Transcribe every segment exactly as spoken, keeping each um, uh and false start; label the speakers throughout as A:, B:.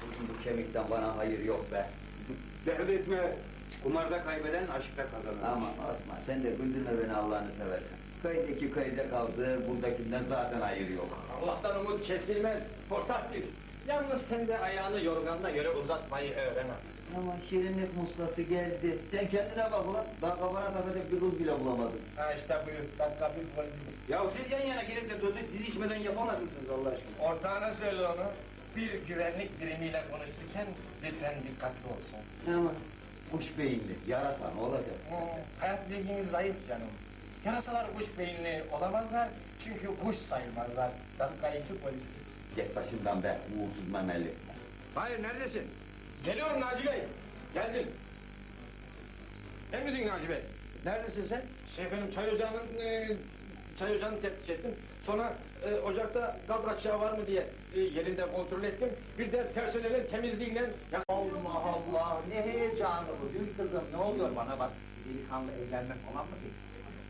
A: Bugün bu kemikten bana hayır yok be.
B: Dert etme. Kumarda kaybeden aşkta kazanır.
A: Aman Osman, sen de güldürme beni Allah'ını seversen. Köydeki köyde kaldı, buradakinden zaten hayır yok.
C: Allah'tan umut kesilmez, portatif. Yalnız sen de ayağını yorganına göre uzatmayı öğren artık.
A: Ama şirinlik muslası geldi. Sen kendine bak ulan, daha kafana takacak bir kız bile bulamadın.
C: Ha işte buyur, dakika bir polis.
B: Ya siz yan yana gelip de sözü dizişmeden yapamaz mısınız Allah aşkına?
C: Ortağına söyle onu. Bir güvenlik birimiyle konuşurken lütfen dikkatli olsun.
A: Ama kuş beyinli, yarasa ne olacak?
C: Hmm, hayat bilginiz zayıf canım. Yarasalar kuş beyinli olamazlar çünkü kuş sayılmazlar. Dakika iki polis.
A: Git başımdan be, uğursuz memeli.
B: Hayır, neredesin?
C: Geliyorum Naci Bey. Geldim. Emredin Naci Bey.
B: Neredesin sen?
C: Şey efendim çay ocağının e, çay ocağını teftiş ettim. Sonra e, ocakta gaz kaçağı var mı diye e, yerinde kontrol ettim. Bir de personelin temizliğinden... Ya,
A: Allah Allah, ne heyecanı bu gül kızım, ne oluyor bana bak? Delikanlı evlenmek falan mı değil?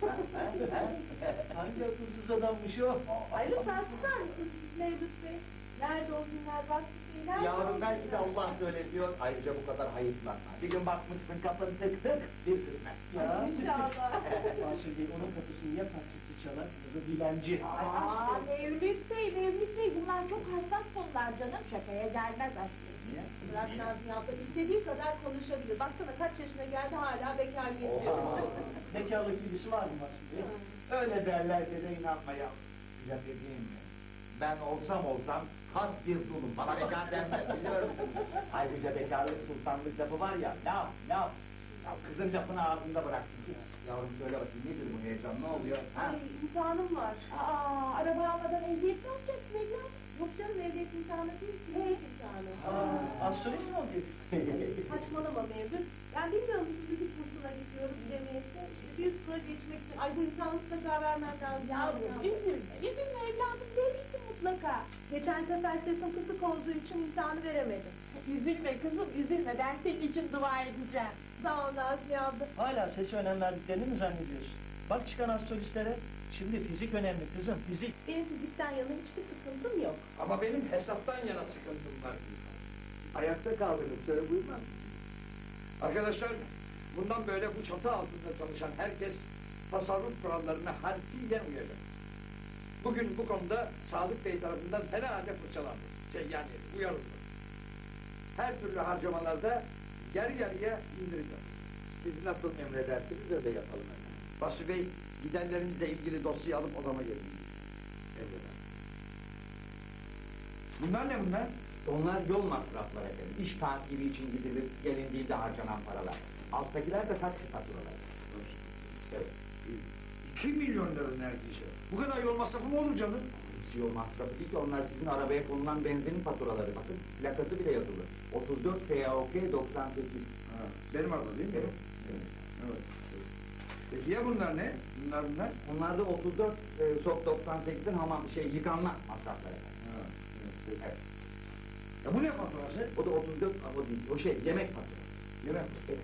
D: Hangi akılsız adammış o?
E: Ay lütfen susar mısınız Mevlüt Bey? Nerede o günler Vasfi Bey? Nerede o
A: Yavrum
E: günler?
A: belki de Allah böyle diyor, ayrıca bu kadar hayıflanma. Bir gün bakmışsın kapın tık tık, bir kısmet.
D: Ya.
E: İnşallah.
D: Mahsur Bey onun kapısını ya taksitçi çalar ya da dilenci.
E: Ay Aa, Mevlüt Bey, Mevlüt Bey bunlar çok hassas konular canım. Şakaya gelmez aslında.
A: Niye?
E: Murat Nazmi abla istediği kadar konuşabilir. Baksana kaç yaşına geldi hala bekar geziyor.
D: Bekarlık ilgisi var mı Mahsur Bey?
F: Öyle derlerse de inanmaya. Size bir diyeyim mi? Ben olsam olsam has bir dulum. Bana bekar denmez biliyorum. Ayrıca bekarlık sultanlık lafı var ya, laf laf. Ya kızın lafını ağzında bıraksın.
A: Yavrum söyle bakayım, nedir bu heyecan, ne oluyor? Ha?
E: Ay imtihanım var. Aa, araba almadan ehliyet mi alacaksın evlat? Yok canım ehliyet imtihanı değil ki. Ehliyet imtihanı.
D: Aa, astrolist mi olacaksın?
E: Saçmalama Mevlüt. Ben bilmiyorum ki fizik kursuna gidiyorum bilemeyese. İşte bir üst tura geçmek için. Ay bu imtihanı mutlaka vermem lazım. Yavrum üzülme. Üzülme evladım. Verirsin mutlaka. Geçen sefer sesim kısık olduğu için imtihanı veremedim. Üzülme kızım üzülme. Ben senin için dua edeceğim. Sağ ol Nazmi abla.
D: Hala sesi önem verdiklerini mi zannediyorsun? Bak çıkan astrolistlere. Şimdi fizik önemli kızım, fizik.
E: Benim fizikten yana hiçbir sıkıntım yok.
C: ama benim hesaptan yana sıkıntım var.
F: Ayakta kaldınız, söyle buyurmaz.
G: Arkadaşlar, bundan böyle bu çatı altında çalışan herkes tasarruf kurallarına harfiyen uyacak. Bugün bu konuda Sadık Bey tarafından fena halde fırçalandı. Şey yani uyarıldı. Her türlü harcamalarda yarı yarıya indirildi.
F: Siz nasıl emredersiniz öyle yapalım efendim.
G: Basri Bey, giderlerimizle ilgili dosyayı alıp odama gelin.
F: Emreder.
G: Bunlar ne bunlar?
F: Onlar yol masrafları efendim. İş takibi için gidilip gelindiğinde harcanan paralar. Alttakiler de taksi faturaları. Evet.
G: İki milyon lira neredeyse. Bu kadar yol masrafı mı olur canım?
F: Hepsi yol masrafı değil ki, onlar sizin arabaya konulan benzinin faturaları. Bakın plakası bile yazılı. otuz dört S A O K doksan sekiz.
G: Ha, benim arada değil mi?
F: Evet.
G: Evet. Peki ya bunlar ne? Bunlar bunlar?
F: Onlar da otuz dört e, S O K doksan sekizin hamam şey yıkanma masrafları.
G: Ha, evet.
F: Evet.
G: Ya bu ne faturası?
F: O da otuz dört, o değil, o şey yemek faturası.
G: Yemek.
F: Evet.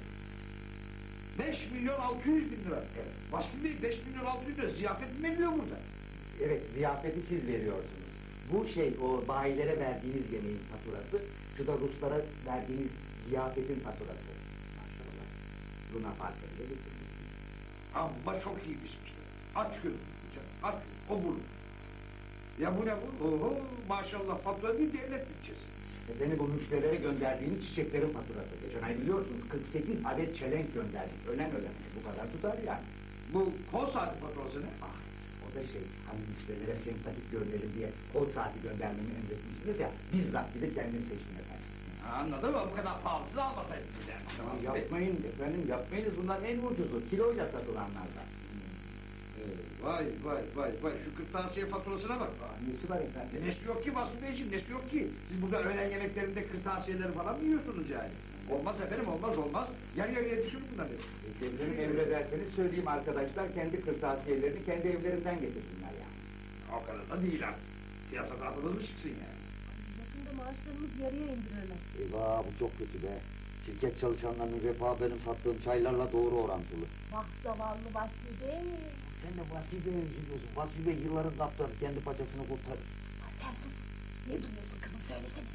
G: beş milyon altı yüz bin lira.
F: Evet.
G: Vasfi Bey beş milyon altı yüz lira ziyafet mi veriliyor burada?
F: Evet, ziyafeti siz veriyorsunuz. Bu şey, o bayilere verdiğiniz yemeğin faturası, şu da Ruslara verdiğiniz ziyafetin faturası. Maşallah, Luna Park'a bile getirmişsiniz.
G: Amma çok iyi pişmişler. Aç gözüm. Aç o burnu. Ya bu ne bu? Oho maşallah fatura değil devlet bütçesi.
F: E, beni bu müşterilere gönderdiğiniz çiçeklerin faturası. Geçen ay biliyorsunuz kırk sekiz adet çelenk gönderdik. Önem önem. Bu kadar tutar yani.
G: Bu kol saati faturası ne?
F: Ah, o da şey, hani müşterilere sempatik görünelim diye kol saati göndermemi emretmiştiniz ya, bizzat gidip kendim seçtim efendim.
G: Ha, anladım ama bu kadar pahalısını almasaydınız yani.
F: Tamam, yapmayın efendim, yapmayınız. Bunlar en ucuzu, kiloyla satılanlardan.
G: Evet, vay vay vay vay şu kırtasiye faturasına bak.
F: Ah, nesi var efendim?
G: E, nesi yok ki Vasfi Beyciğim nesi yok ki? Siz burada öğlen yemeklerinde kırtasiyeleri falan mı yiyorsunuz yani? Olmaz efendim olmaz olmaz. Yarı yarıya düşürün bunları.
F: Kendilerini emrederseniz söyleyeyim arkadaşlar, kendi kırtasiyelerini kendi evlerinden getirsinler yani.
G: O kadar da değil artık. Piyasada adınız mı çıksın yani?
E: Yakında maaşlarımız yarıya indirirler.
A: Eyvah bu çok kötü be. Şirket çalışanlarının refahı benim sattığım çaylarla doğru orantılı.
E: Vah zavallı Vasfi Bey.
A: Sen de Vasfi Bey'e üzülüyorsun. Vasfi Bey yılların kaptanı, kendi paçasını kurtarır.
E: Ha, sen sus. Niye duyuyorsun kızım söylesene.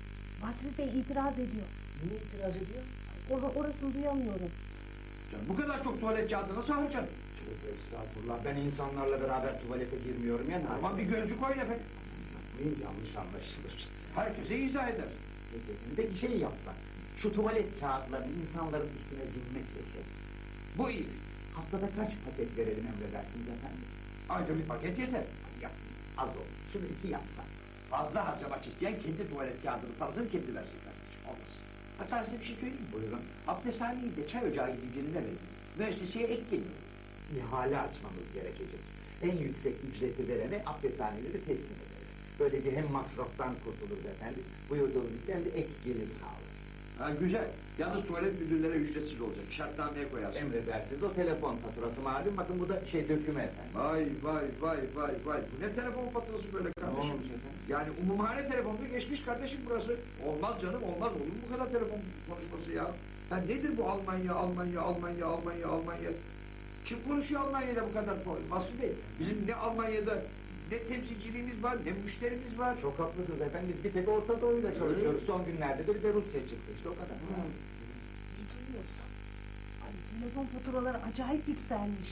E: Vasfi Bey itiraz ediyor.
D: Niye itiraz ediyor?
E: Or orasını duyamıyorum.
G: Canım, bu kadar çok tuvalet kağıdı nasıl harcayacaksın?
F: Tövbe estağfurullah, ben insanlarla beraber tuvalete girmiyorum ya.
G: Aman bir gözlük koyun efendim.
F: Yapmayın, yanlış anlaşılır.
G: Herkese izah eder.
F: Peki, peki şey yapsak, şu tuvalet kağıtlarını insanların üstüne zimmetlesek,
G: Bu iyi.
F: haftada kaç paket verelim emredersiniz efendim?
G: Ayrıca bir paket yeter.
F: Yap, az olur, şunu iki yapsak.
G: Fazla harcamak isteyen kendi tuvalet kağıdının parasını kendi versin kardeşim. Olmaz. Hatta size bir şey söyleyeyim mi?
F: Buyurun.
G: Abdesthaneyi de çay ocağı gibi birine verin. Müesseseye ek geliyor.
F: İhale açmamız gerekecek. En yüksek ücreti verene abdesthaneleri teslim ederiz. Böylece hem masraftan kurtuluruz efendim, buyurduğunuz gibi hem de ek gelir sağlarız.
G: Ha güzel. Yalnız tuvalet müdürlere ücretsiz olacak. Şartnameye koyarsın.
F: Emredersiniz, o telefon faturası malum, bakın bu da şey döküme efendim.
G: Vay vay vay vay vay. Bu ne telefon faturası böyle kardeşim?
F: olmuş efendim?
G: Yani umumhane telefonunu geçmiş kardeşim burası. Olmaz canım olmaz. Olur mu bu kadar telefon konuşması ya? Ya nedir bu Almanya, Almanya, Almanya, Almanya, Almanya? Kim konuşuyor Almanya'da bu kadar? Vasfi Bey, bizim ne Almanya'da ne temsilciliğimiz var, ne müşterimiz var.
F: Çok haklısınız efendim, biz bir tek Orta Doğu'yla çalışıyoruz. Son günlerde de bir de Rusya çıktı işte, o kadar.
E: Ne duyuyorsun? Ay telefon faturaları acayip yükselmiş.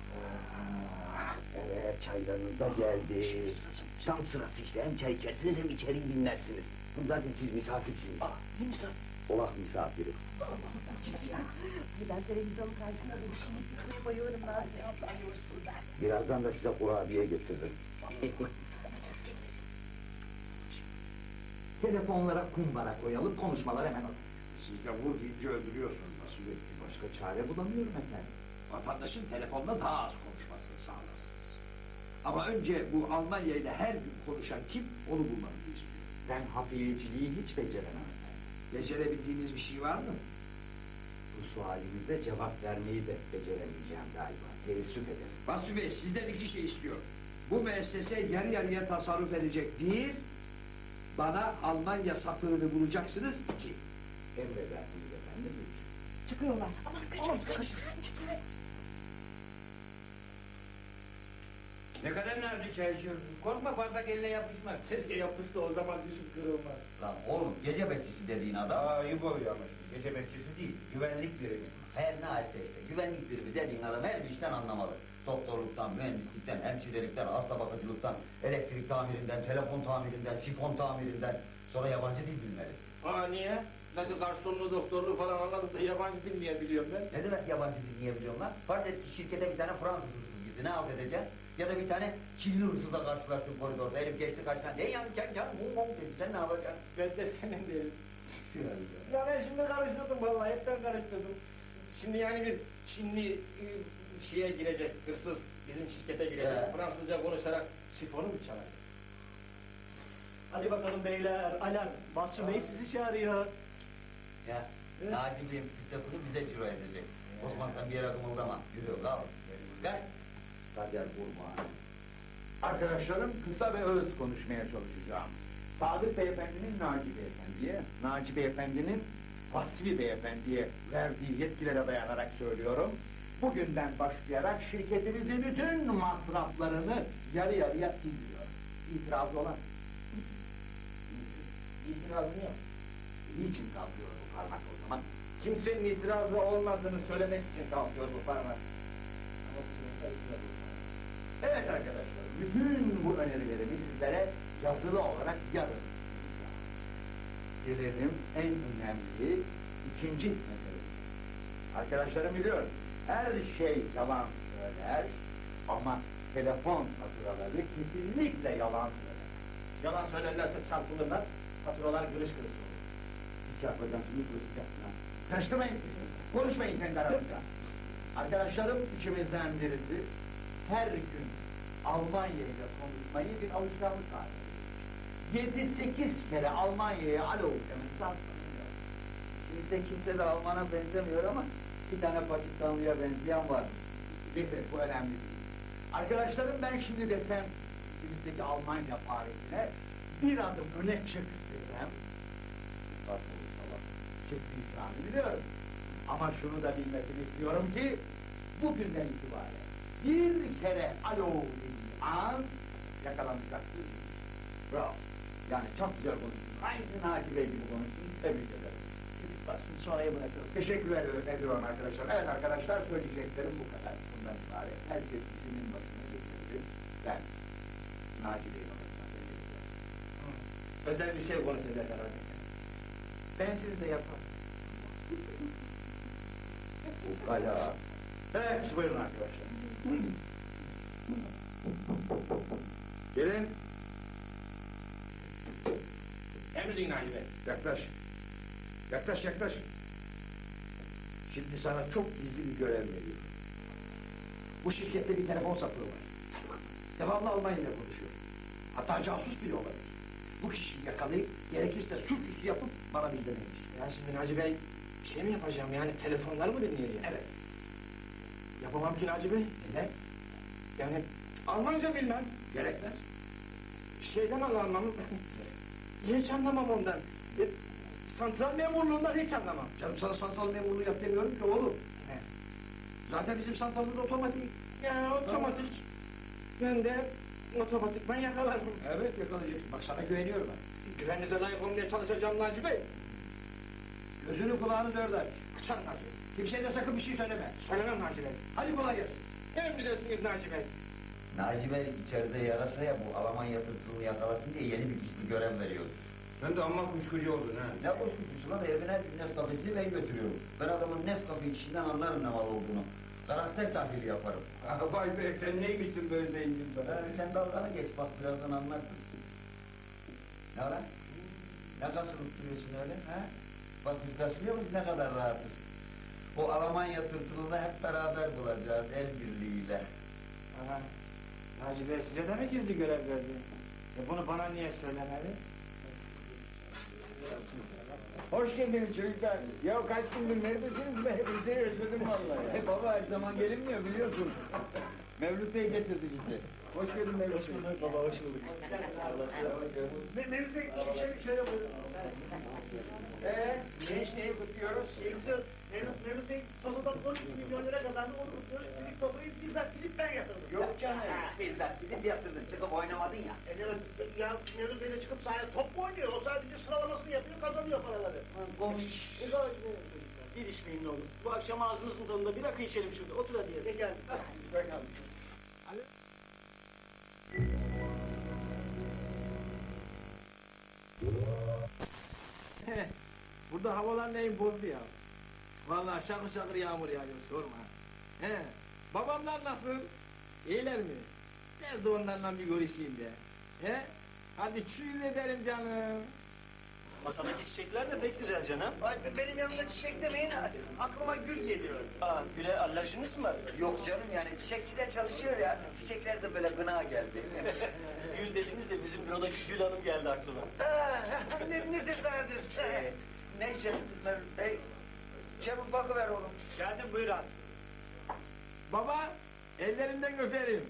H: Evet, çaylarınız da geldi. Tam sırası işte, hem çay içersiniz hem içeri dinlersiniz. Zaten siz misafirsiniz.
D: Aa, ne misafir?
H: Olak misafiri.
E: Ay ben televizyonun karşısında böyle şimdi gitmeye bayılıyorum Nazlı abla ayırsın ben.
H: Birazdan da size kurabiye götürürüm.
F: Telefonlara kumbara koyalım, konuşmalar hemen olur.
G: Siz de vur deyince öldürüyorsunuz Vasfi Bey.
F: Başka çare bulamıyorum efendim.
G: Vatandaşın telefonla daha az konuşmasını sağlarsınız. Ama önce bu Almanya ile her gün konuşan kim, onu bulmanızı istiyorum.
F: Ben hafiyeciliği hiç beceremem efendim.
G: Becerebildiğiniz bir şey var mı?
F: Bu sualinize cevap vermeyi de beceremeyeceğim galiba. Teessüf ederim.
G: Vasfi Bey, sizden iki şey istiyor. Bu müessese yarı yarıya tasarruf edecek. Bir, bana Almanya sapığını bulacaksınız. İki,
F: Emredersiniz efendim.
E: Çıkıyorlar. Aman kaçın kaçın.
B: Ne kadar nazik çay içiyorsun. Korkma bardak eline yapışmaz.
C: Keşke yapışsa o zaman düşüp kırılmaz.
A: Lan oğlum gece bekçisi dediğin adam.
B: Aa, ayıp oluyor ama şimdi. Gece bekçisi değil, güvenlik birimi.
A: Her ne halse işte güvenlik birimi dediğin adam her bir işten anlamalı. Doktorluktan, mühendislikten, hemşirelikten, hasta bakıcılıktan, elektrik tamirinden, telefon tamirinden, sifon tamirinden, sonra yabancı dil bilmeli.
C: Aa niye? Nasıl garsonluğu, doktorluğu falan anladık da yabancı bilmeyebiliyorum ben.
A: Ne demek yabancı dil niye biliyorum lan? Farz et ki şirkete bir tane Fransız hırsız gitti, ne halt edeceksin? Ya da bir tane Çinli hırsızla karşılaştın koridorda, herif geçti karşına, ne yan yan yan mum mum dedi, sen ne yapacaksın?
C: Ben de senin değilim. Ya ben şimdi karıştırdım vallahi, hep ben karıştırdım. Şimdi yani bir Çinli e, şeye girecek, hırsız bizim şirkete girecek,
A: He.
C: Fransızca konuşarak sifonu mu çalacak?
D: Hadi bakalım beyler, alarm. Vasfi Bey sizi çağırıyor.
A: Ya, Naci Bey'in pizzasını bize ciro edecek. Osman sen bir yere kımıldama, yürü kal. Gel. Kader vurma.
F: Arkadaşlarım, kısa ve öz konuşmaya çalışacağım. Sadık Beyefendi'nin Naci Beyefendi'ye, Naci Beyefendi'nin Vasfi Beyefendi'ye verdiği yetkilere dayanarak söylüyorum. Bugünden başlayarak şirketimizin bütün masraflarını yarı yarıya indiriyor. İtirazı olan?
C: İtirazım yok.
F: Niçin kalkıyor bu parmak o zaman?
C: Kimsenin itirazı olmadığını söylemek için kalkıyor bu parmak. Ama bizim sayısında bu.
F: Evet arkadaşlar, bütün bu önerilerimi sizlere yazılı olarak yazın. Gelelim en önemli ikinci mesele. Arkadaşlarım biliyorum, her şey yalan söyler ama telefon faturaları kesinlikle yalan söyler.
C: Yalan söylerlerse çarpılırlar, faturalar kırış kırış olur.
F: Hiç yapacaksınız, kıracaksınız. Karıştırmayın, konuşmayın kendi aranızda. Arkadaşlarım içimizden birisi her gün Almanya ile konuşmayı bir alışkanlık haline getirmiş. Yedi sekiz kere Almanya'ya alo demesi sanmıyor.
A: Şimdi kimse de Alman'a benzemiyor ama bir tane Pakistanlı'ya benzeyen var.
F: Neyse bu önemli değil. Arkadaşlarım ben şimdi desem içimizdeki Almanya Paris'ine bir adım öne çık desem bak inşallah çektiği ikramı biliyorum. Ama şunu da bilmesini istiyorum ki bugünden itibaren bir kere alo dediği an yakalanacak değil. Bravo. Yani çok güzel konuştun. Aynı Naci Bey gibi konuştun. Tebrik ederim.
D: Basın sonraya bırakırız.
F: Teşekkür ederim, ediyorum arkadaşlar. Evet arkadaşlar, söyleyeceklerim bu kadar. Bundan ibaret. Herkes işinin başına getirdi. Ben Naci Bey'in odasına geleceğim.
C: Özel bir şey konuşacak herhalde. Ben siz de yaparım.
F: Ukala. Evet, buyurun arkadaşlar. Gelin,
C: Emredin Naci Bey.
G: yaklaş. Yaklaş, yaklaş. Şimdi sana çok gizli bir görev veriyorum. Bu şirkette bir telefon sapığı var. Devamlı Almanya ile konuşuyor. Hatta casus bile olabilir. Bu kişiyi yakalayıp gerekirse suçüstü yapıp bana bildirmemiş.
C: Ya şimdi Naci Bey, bir şey mi yapacağım yani telefonları mı dinleyeceğim?
G: Evet.
C: Yapamam ki Naci Bey.
G: Neden?
C: Yani Almanca bilmem.
G: Gerekmez.
C: Şeyden anlamam. Hiç anlamam ondan. E, santral memurluğundan hiç anlamam.
G: Canım sana santral memurluğu yap demiyorum ki oğlum.
C: He.
G: Zaten bizim santralımız otomatik.
C: Ya otomatik. Ben de otomatikman yakalarım.
G: Evet yakalayacaksın. Bak sana güveniyorum ben.
C: Güveninize layık olmaya çalışacağım Naci Bey.
G: Gözünü kulağını dört aç.
C: Kıçan Naci Bey.
G: Kimseye de sakın bir şey söyleme.
C: Söylemem Naci Bey.
G: Hadi kolay gelsin.
C: Emredersiniz Naci Bey.
A: Naci Bey içeride yarasa ya bu Almanya tırtılını yakalasın diye yeni bir gizli görev veriyor.
B: Sen de amma kuşkucu oldun ha.
A: Ne korkutucu lan evine her gün Nescafe'sini ben götürüyorum. Ben adamın Nescafe içinden anlarım ne mal olduğunu. Karakter tahlili yaparım.
B: Vay be, sen neymişsin böyle zengin be?
A: Ha, sen dalgana geç bak birazdan anlarsın. Ne lan? Ne kasılıp duruyorsun öyle ha? Bak biz kasılıyor muyuz ne kadar rahatız. O Almanya tırtılını hep beraber bulacağız el birliğiyle.
C: Aha. Naci Bey size de mi gizli görev verdi? E bunu bana niye söylemedi?
F: hoş geldiniz çocuklar. Ya kaç gündür neredesiniz be? Hepinizi özledim vallahi.
A: E baba her zaman gelinmiyor biliyorsun. Mevlüt Bey getirdi bizi.
F: Hoş geldin Mevlüt
D: Hoş
F: Bey.
D: bulduk baba, hoş bulduk.
F: Me- Mevlüt Bey, şöyle, şöyle buyurun. Ee, gençliği kutluyoruz.
I: Mevlüt, Mevlüt Bey tozudan on iki milyon lira kazandı, onu kutluyoruz. Çocuk topuyu bizzat gidip ben yatırdım.
F: Yok canım.
A: Bizzat gidip yatırdın çıkıp oynamadın ya.
I: E, ne- ya Mevlüt Bey de çıkıp sahaya top mu oynuyor? O sadece sıralamasını yapıyor, kazanıyor paraları.
D: Konuş.
I: Ne kadar güzel.
D: Girişmeyin ne olur. Bu akşam ağzınızın tadında bir rakı içelim şurada. Otur hadi
I: Ne
D: yere.
I: geldi?
F: Bakalım.
C: Burada havalar neyin bozdu ya? Vallahi şakır şakır yağmur yağıyor sorma. He. Babamlar nasıl? İyiler mi? Nerede onlarla bir görüşeyim de. He? Hadi çüz ederim canım.
D: Masadaki çiçekler de pek güzel canım.
I: Ay, benim yanımda çiçek demeyin, aklıma gül geliyor.
D: Aa, güle alerjiniz mi var?
A: Yok canım yani çiçekçide çalışıyor ya. Çiçekler de böyle gına geldi.
D: Gül dediniz de bizim bürodaki Gül Hanım geldi aklıma.
I: Ah, ne, ne tesadüf.
A: Ee, ne içelim Mevlüt Bey? Çabuk bakıver oğlum.
C: Geldim buyur abi. Baba, ellerinden öperim.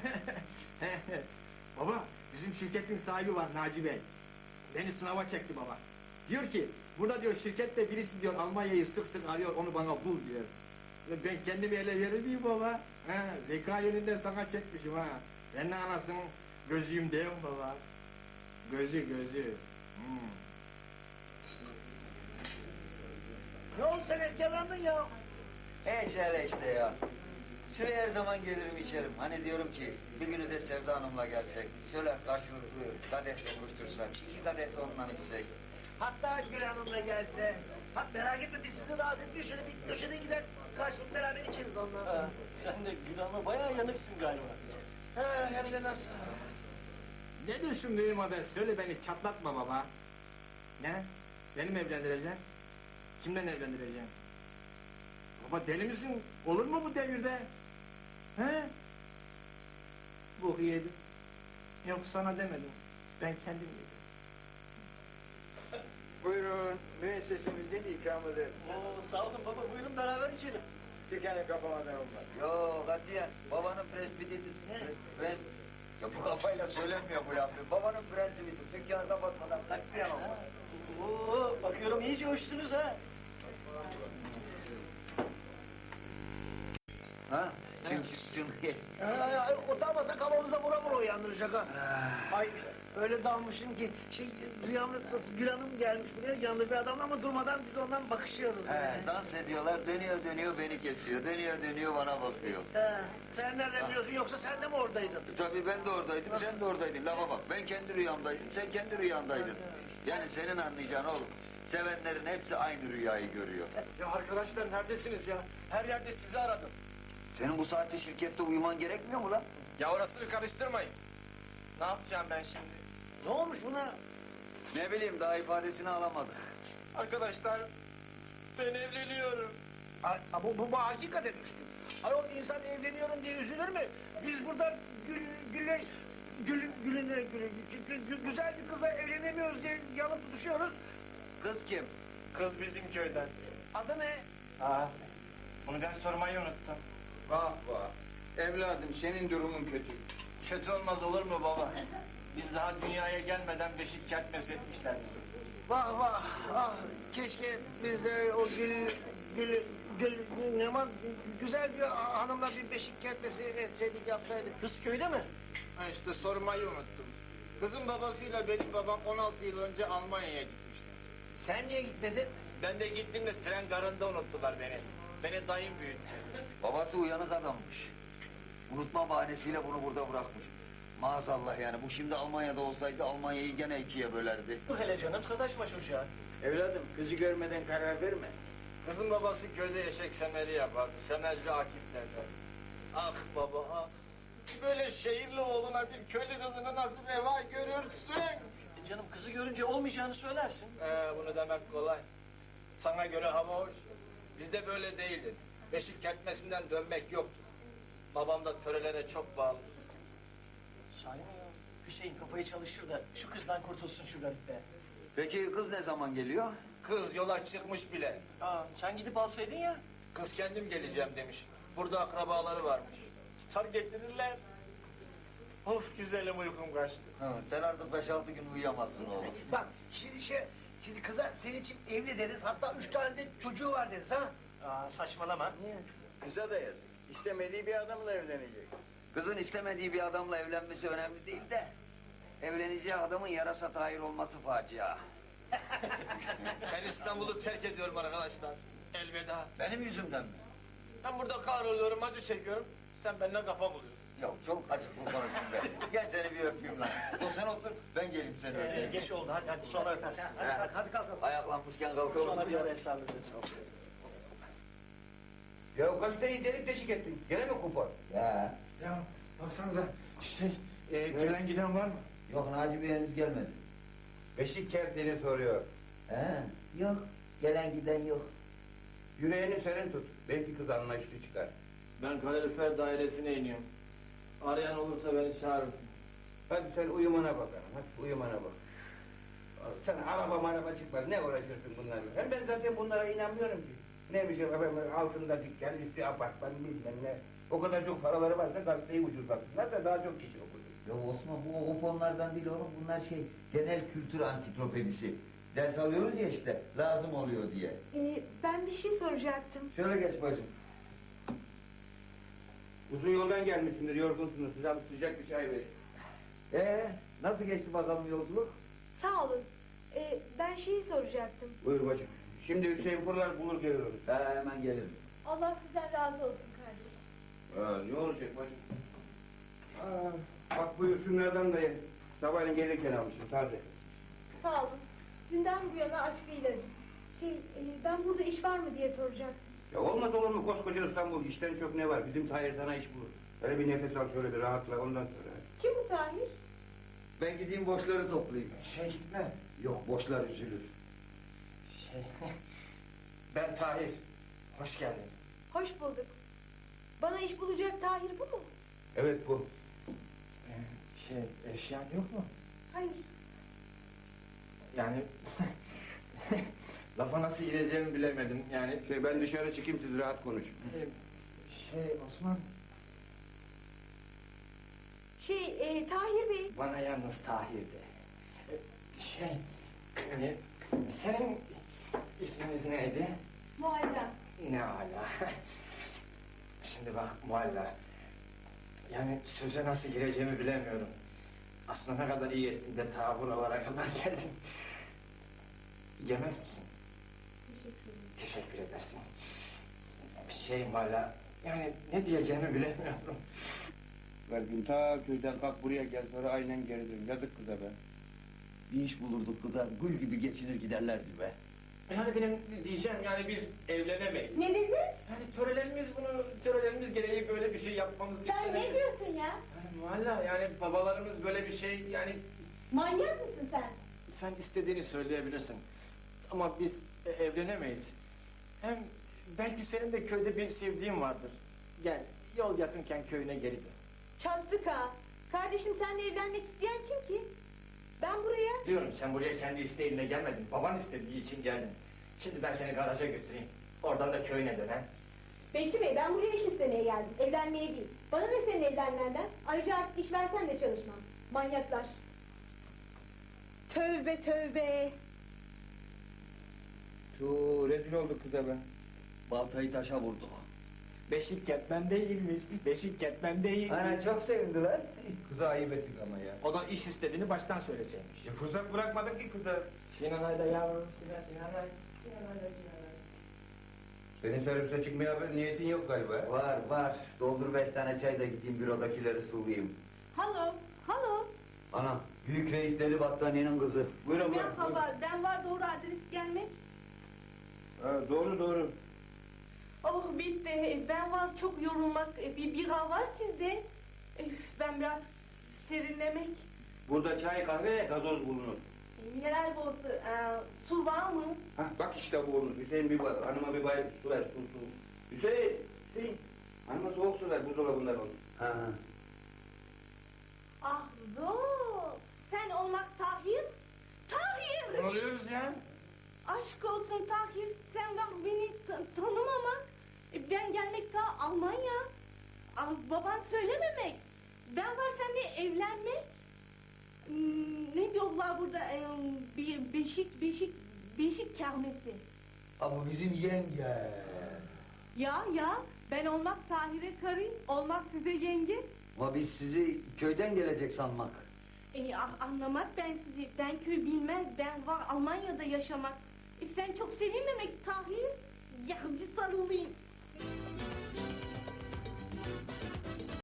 C: Baba, bizim şirketin sahibi var Naci Bey. Beni sınava çekti baba. Diyor ki, burada diyor şirkette birisi diyor Almanya'yı sık sık arıyor, onu bana bul diyor. Ya ben kendimi ele verir miyim baba? Ha, zeka yönünden sana çekmişim ha. Ben de anasının gözüyüm değil mi baba? Gözü gözü. Hmm.
I: Ne oldu sen erkelandın ya?
A: Hiç hele işte ya. Şuraya her zaman gelirim içerim. Hani diyorum ki bir günü de Sevda Hanım'la gelsek. Şöyle karşılıklı kadeh dokuştursak. İki kadeh de ondan içsek.
I: Hatta Gül Hanım'la gelse. Ha, merak etme biz sizi rahatsız etmiyor. Şöyle bir köşede gider karşılıklı beraber içeriz ondan.
D: Aa, sen de Gül Hanım'a bayağı yanıksın galiba.
I: Ha, hem de nasıl?
C: Nedir şu mühim haber? Söyle beni çatlatma baba. Ne? Beni mi evlendireceksin? Kimden evlendireceksin? Baba deli misin? Olur mu bu devirde? He? Bu yedim. Yok sana demedim. Ben kendim yedim.
F: Buyurun, müessesemizden ikramıdır.
D: Oo, sağ olun baba, buyurun beraber içelim.
F: Dükkanı kapamadan olmaz.
A: Yo katiyen babanın prensibiydi. Prens... Ya bu kafayla söylenmiyor bu lafı. Babanın prensibiydi. Dükkanı kapatmadan katiyen olmaz.
D: Oo, bakıyorum iyice hoşsunuz ha.
A: Ha? Çın çın çın.
I: Ha, utanmasa kafamıza vura vura uyandıracak ha. Ay, Öyle dalmışım ki şey rüyamda Gül Hanım gelmiş buraya yanında bir adamla ama durmadan biz ondan bakışıyoruz.
A: He,
I: böyle.
A: dans ediyorlar, dönüyor dönüyor beni kesiyor, dönüyor dönüyor bana bakıyor.
I: He, sen nereden biliyorsun yoksa sen de mi oradaydın?
A: E, tabii ben de oradaydım, sen de oradaydın. Lafa bak, ben kendi rüyamdaydım, sen kendi rüyandaydın. Yani senin anlayacağın oğlum, sevenlerin hepsi aynı rüyayı görüyor.
G: Ya arkadaşlar neredesiniz ya? Her yerde sizi aradım.
A: Senin bu saatte şirkette uyuman gerekmiyor mu lan?
B: Ya orasını karıştırmayın. Ne yapacağım ben şimdi?
I: Ne olmuş buna?
A: Ne bileyim, daha ifadesini alamadık.
B: Arkadaşlar, ben evleniyorum.
I: Ha, ha, bu, bu, bu hakikaten düştü. Ayol insan evleniyorum diye üzülür mü? Biz burada gül, gülle, gül, gülüne, gül, gül, gül- güzel bir kızla evlenemiyoruz diye yanıp tutuşuyoruz.
A: Kız kim?
B: Kız bizim köyden.
I: Adı ne?
B: Aa, bunu ben sormayı unuttum.
G: Vah vah. Evladım senin durumun kötü.
B: Kötü olmaz olur mu baba? Biz daha dünyaya gelmeden beşik kertmesi etmişler bizi.
I: Vah vah, ah keşke biz de o gül, gül, gül, ne var, güzel bir hanımla bir beşik kertmesi etseydik, yapsaydık.
D: Kız köyde mi?
B: Ha işte sormayı unuttum. Kızın babasıyla benim babam on altı yıl önce Almanya'ya gitmişler.
I: Sen niye gitmedin?
B: Ben de gittim de tren garında unuttular beni. Beni dayım büyüttü.
A: Babası uyanık adammış. Unutma bahanesiyle bunu burada bırakmış. Maazallah yani, bu şimdi Almanya'da olsaydı Almanya'yı gene ikiye bölerdi.
D: Dur hele canım, sataşma çocuğa.
F: Evladım kızı görmeden karar verme.
B: Kızın babası köyde eşek semeri yapardı. Semerci Akif derler. Ah baba ah. Böyle şehirli oğluna bir köylü kızını nasıl reva görürsün?
D: E canım, kızı görünce olmayacağını söylersin.
B: Ee, bunu demek kolay. Sana göre hava hoş. Bizde böyle değildi. Beşik kertmesinden dönmek yoktu. Babam da törelere çok bağlı.
D: Sahi mi ya? Hüseyin kafayı çalışır da şu kızdan kurtulsun şu garip be.
A: Peki kız ne zaman geliyor?
B: Kız yola çıkmış bile.
D: Aa, sen gidip alsaydın ya.
B: Kız kendim geleceğim demiş. Burada akrabaları varmış. Tutar getirirler. Of güzelim uykum kaçtı.
A: Hı, sen artık beş altı gün uyuyamazsın oğlum.
I: Bak şimdi şey, şimdi kıza senin için evli deriz, hatta üç tane de çocuğu var deriz ha.
D: Aa, saçmalama.
I: Niye?
F: Kıza da yazık. İstemediği bir adamla evlenecek.
A: Kızın istemediği bir adamla evlenmesi önemli değil de... ...evleneceği adamın yarasa tahir olması facia.
B: Ben İstanbul'u terk ediyorum arkadaşlar. Elveda.
A: Benim yüzümden mi?
B: Ben burada kahroluyorum, acı çekiyorum. Sen benimle kafa buluyorsun.
A: Yok, çok acıklı konuştun be. Gel seni bir öpeyim lan. Dur sen otur, ben geleyim seni
D: Ee,
A: öpeyim.
D: geç oldu, hadi hadi sonra öpersin. Hadi,
A: He.
D: hadi, hadi kalk.
A: Ayaklanmışken kalkalım.
D: Sonra bir ara hesap ederiz.
H: Ya kaç tane delik deşik ettin? Gene mi kupon?
A: Ya.
G: Ya baksanıza şey e, gelen giden var mı?
A: Yok, Naci Bey henüz gelmedi.
H: Beşik kertleri soruyor.
A: He, yok. Gelen giden yok.
H: Yüreğini senin tut. Belki kız anlayışlı çıkar.
B: Ben kalorifer dairesine iniyorum. Arayan olursa beni çağırırsın.
H: Hadi sen uyumana bakalım. Hadi uyumana bak. Sen araba maraba çıkmaz. Ne uğraşıyorsun bunlarla? Hem ben zaten bunlara inanmıyorum ki. Ne bir şey efendim, altında dükkan, üstü apartman bilmem ne. O kadar çok paraları varsa gazeteyi ucuzlatsınlar da daha çok kişi okur.
A: Ya Osman, bu o fonlardan değil oğlum, bunlar şey, genel kültür ansiklopedisi. Ders alıyoruz ya işte, lazım oluyor diye.
E: Ee, ben bir şey soracaktım.
A: Şöyle geç bacım.
H: Uzun yoldan gelmişsindir, yorgunsunuz. Size bir sıcak bir çay verin.
A: Ee, nasıl geçti bakalım yolculuk?
E: Sağ olun. Ee, ben şeyi soracaktım.
H: Buyur bacım. Şimdi Hüseyin fırlar bulur gelir onu.
A: He, hemen gelirim.
E: Allah sizden razı olsun kardeş.
H: Ha, ne olacak bacım? Aa, bak bu şunlardan da ye. Sabahleyin gelirken almışım taze.
E: Sağ olun. Dünden bu yana aç bir ilacım. Şey, e, ben burada iş var mı diye soracaktım.
H: Ya olmaz olur mu koskoca İstanbul, işten çok ne var? Bizim Tahir sana iş bulur. Öyle bir nefes al, şöyle bir rahatla, ondan sonra.
E: Kim bu Tahir?
A: Ben gideyim boşları toplayayım.
G: Şey gitme.
A: Yok, boşlar üzülür.
B: Şey, ben Tahir. Hoş geldin.
E: Hoş bulduk. Bana iş bulacak Tahir bu mu?
H: Evet bu.
B: Ee, şey, eşyan yok mu?
E: Hayır.
B: Yani lafa nasıl gireceğimi bilemedim. Yani
H: Şey, ben dışarı çıkayım, siz rahat konuşun.
B: e, şey Osman,
E: Şey, e, Tahir Bey.
B: bana yalnız Tahir de. E, Şey, e, senin isminiz neydi?
E: Muayyen.
B: Ne ala. Şimdi bak Mualla, yani söze nasıl gireceğimi bilemiyorum.
F: Aslında ne kadar iyi ettin de ta buralara kadar geldin. Yemez misin?
E: Teşekkür ederim.
F: Teşekkür edersin. Bir şeyim hala, yani ne diyeceğimi bilemiyorum.
H: Kalbim ta köyden kalk buraya gel sonra aynen geri dön. Yazık kıza be.
A: Bir iş bulurduk kıza, gül gibi geçinir giderlerdi be.
F: Yani benim diyeceğim, yani biz evlenemeyiz.
E: Ne dedin?
F: Yani törelerimiz bunu, törelerimiz gereği böyle bir şey yapmamız
E: Sen ne
F: istenemiyor.
E: diyorsun ya?
F: Yani valla yani babalarımız böyle bir şey, yani
E: Manyak mısın sen?
F: sen istediğini söyleyebilirsin. Ama biz e, evlenemeyiz. Hem belki senin de köyde bir sevdiğin vardır. Gel, yol yakınken köyüne geri dön.
E: Çattık ha. Kardeşim seninle evlenmek isteyen kim ki? Ben buraya...
F: Diyorum sen buraya kendi isteğinle gelmedin. Baban istediği için geldin. Şimdi ben seni garaja götüreyim. Oradan da köyüne dön ha.
E: Bekçi Bey, ben buraya iş istemeye geldim. Evlenmeye değil. Bana ne senin evlenmenden? Ayrıca artık iş versen de çalışmam. Manyaklar. Tövbe tövbe.
H: Tuuu rezil olduk kıza be.
A: Baltayı taşa vurdu.
F: Beşik ketmen değilmiş. Beşik ketmen değilmiş.
H: Ana çok sevindiler. Kıza ayıp ettik ama ya.
F: O da iş istediğini baştan söyleseymiş.
H: E, fırsat bırakmadık ki kıza.
F: Sinan Ayda yavrum, Sinan, Sinan Ay. Sinan Ayda, Sinan Ay.
H: Senin servise çıkmaya bir niyetin yok galiba.
A: Var var, doldur beş tane çay da gideyim bürodakileri sıvayayım.
E: Halo, halo.
A: Anam, büyük reisleri battaniyenin kızı.
H: Buyurun buyurun.
E: Merhaba, ben var doğru adres gelmek.
H: Ha, doğru doğru.
E: Oh bitti, ben var çok yorulmak. E, Bir bira var sizde. E, Ben biraz serinlemek.
H: Burada çay kahve gazoz bulunur.
E: E, Mineral bozu, e, su var mı?
H: Hah bak işte bu olur. Hüseyin bir bay, hanıma bir bay su ver su su. Hüseyin, Hüseyin. Hanıma soğuk su ver buzdolabından olur.
A: Ha, ha.
E: Ah zor. Sen olmak Tahir. Tahir!
F: Ne oluyoruz ya?
E: Aşk olsun Tahir. Sen var beni t- tanımamak. E, Ben gelmek daha Almanya. Ah, baban söylememek. Ben var seninle evlenmek. Hmm, ne diyorlar burada? Ee, bir beşik, beşik, beşik kermesi.
A: Ama bizim yenge.
E: Ya ya, ben olmak Tahir'e karıyım, olmak size yenge.
A: Ama biz sizi köyden gelecek sanmak.
E: E, ah, anlamak ben sizi, ben köy bilmez, ben var Almanya'da yaşamak. E, sen çok sevinmemek Tahir. Ya bir sarılayım.